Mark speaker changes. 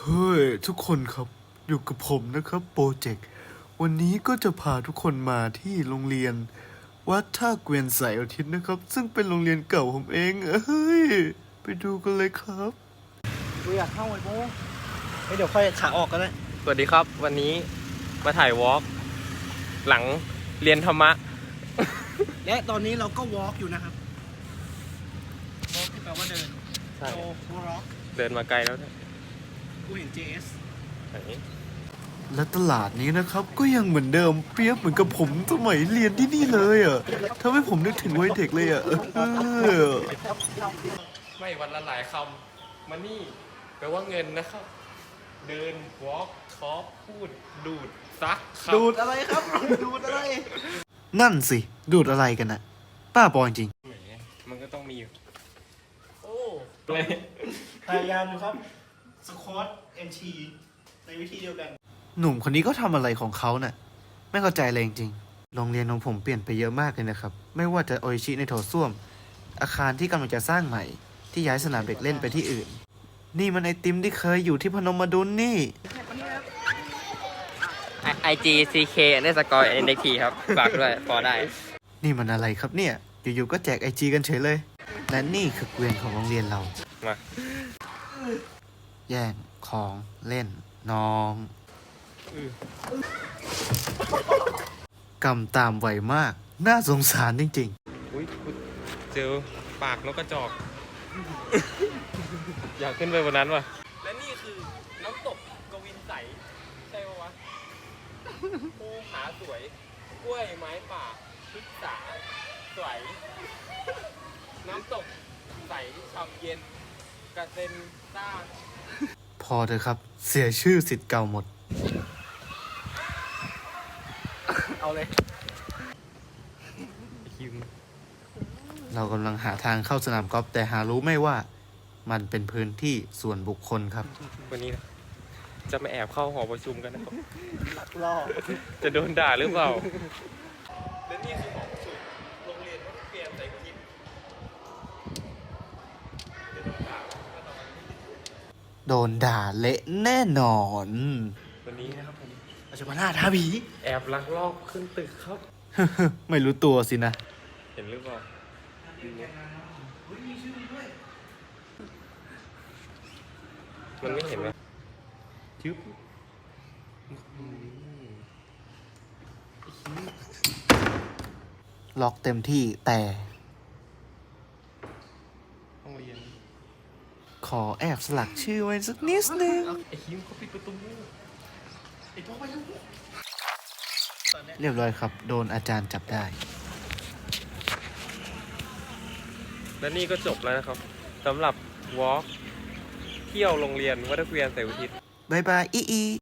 Speaker 1: ฮ้ยทุกคนครับอยู่กับผมนะครับโปรเจกต์วันนี้ก็จะพาทุกคนมาที่โรงเรียนวัดท่าเกวียนสายอาทิตย์นะครับซึ่งเป็นโรงเรียนเก่าผมเองเฮ้ยไปดูกันเลยครับ
Speaker 2: กูอยากเข้าไอ้โบ้เดี๋ยวค่อยขาออกก็ได้
Speaker 3: สวัสดีครับวันนี้มาถ่ายวอล์กหลังเรียนธรรมะ
Speaker 2: และตอนนี้เราก็วอล์กอยู่นะครับวอล์กที่แปลว่าเดิน
Speaker 3: ใช่
Speaker 2: โจวอล์ก
Speaker 3: เดินมาไกลแล้วเนี่ย
Speaker 2: กูเห็น JS
Speaker 3: ไหน
Speaker 1: และตลาดนี้นะครับก็ยังเหมือนเดิมเปรียบเหมือนกับผมสมัยเรียนที่นี่เลยอ่ะทำให้ผมนึกถึงวัยเด็กเลยอ่ะ
Speaker 3: ไม่วันละหลายคำมานี่แปลว่าเงินนะครับ เดินวอล์กทอปพูดดูดซักครับ
Speaker 2: ดูดอะไรครับ ดูดอะไร
Speaker 1: นั่นสิดูดอะไรกันนะป้าบอจริง
Speaker 3: แหมมันก็ต้องมีอยู่
Speaker 2: โอ้
Speaker 3: เลย
Speaker 2: พยายามอยู่ครับสควอตเอ็นทีในวิธีเดียวกัน
Speaker 1: หนุ่มคนนี้ก็ทำอะไรของเขาน่ะไม่เข้าใจเลยจริงๆโรงเรียนของผมเปลี่ยนไปเยอะมากเลยนะครับไม่ว่าจะโออิชิในโถส้วมอาคารที่กำลังจะสร้างใหม่ที่ย้ายสนามเด็กเล่นไปที่อื่นนี่มันไอติมที่เคยอยู่ที่พนมดุลนี่
Speaker 3: IG CK ในสกอร์ NXT ครับฝากด้วยพอได้
Speaker 1: นี่มันอะไรครับเนี่ยอยู่ๆก็แจกไอจีกันเฉยเลยและนี่คือเกวียนของโรงเรียนเรา
Speaker 3: มา
Speaker 1: แย่งของเล่นน้องกำตามไวมากน่าสงสารจริงๆ
Speaker 3: อุ้ยเจอปากนกกระจอก อยากขึ้นไปบนนั้นว่ะและนี่คือน้ำตกกวินใสใช่ปะวะภูผาสวยกล้วยไม้ป่าพฤกษาสวยน้ำตกใสฉ่ำเย็นกระเซ็นซ่า
Speaker 1: พอเถอะครับเสียชื่อสิทธิ์เก่าหมด
Speaker 2: เอาเลย
Speaker 3: คิม
Speaker 1: เรากำลังหาทางเข้าสนามกอล์ฟแต่หารู้ไม่ว่ามันเป็นพื้นที่ส่วนบุคคลครับ
Speaker 3: วันนี้นะจะมาแอบเข้าหอประชุมกันนะครับ
Speaker 2: รอ
Speaker 3: จะโดนด่าหรือเปล่าและนี่คือหอประชุมโรงเรียนวัดเกวียนไสทิพย์จะโดนด่า
Speaker 1: โดนด่าเละแน่นอน
Speaker 3: วันนี้นะครับผม
Speaker 2: เราจะมาล่าท้าผี
Speaker 3: แอบลักลอบขึ้นตึกครับ
Speaker 1: ไม่รู้ตัวสินะ
Speaker 3: เห็นหรือเปล่ามันไม่เห็นไหมชึบ
Speaker 1: ล็อกเต็มที่แต่
Speaker 3: ห้องเรียน
Speaker 1: ขอแอบสลักชื่อไว้สักนิดนึง
Speaker 3: ไอ้คิมเขาปิดประตู
Speaker 2: ไอ้พวกไปลูก
Speaker 1: เรียบร้อยครับ โดนอาจารย์จับได้
Speaker 3: และนี่ก็จบแล้วนะครับสำหรับวอล์กเที่ยวโรงเรียนวัดเกวียนไสทิพย์
Speaker 1: บายบายอี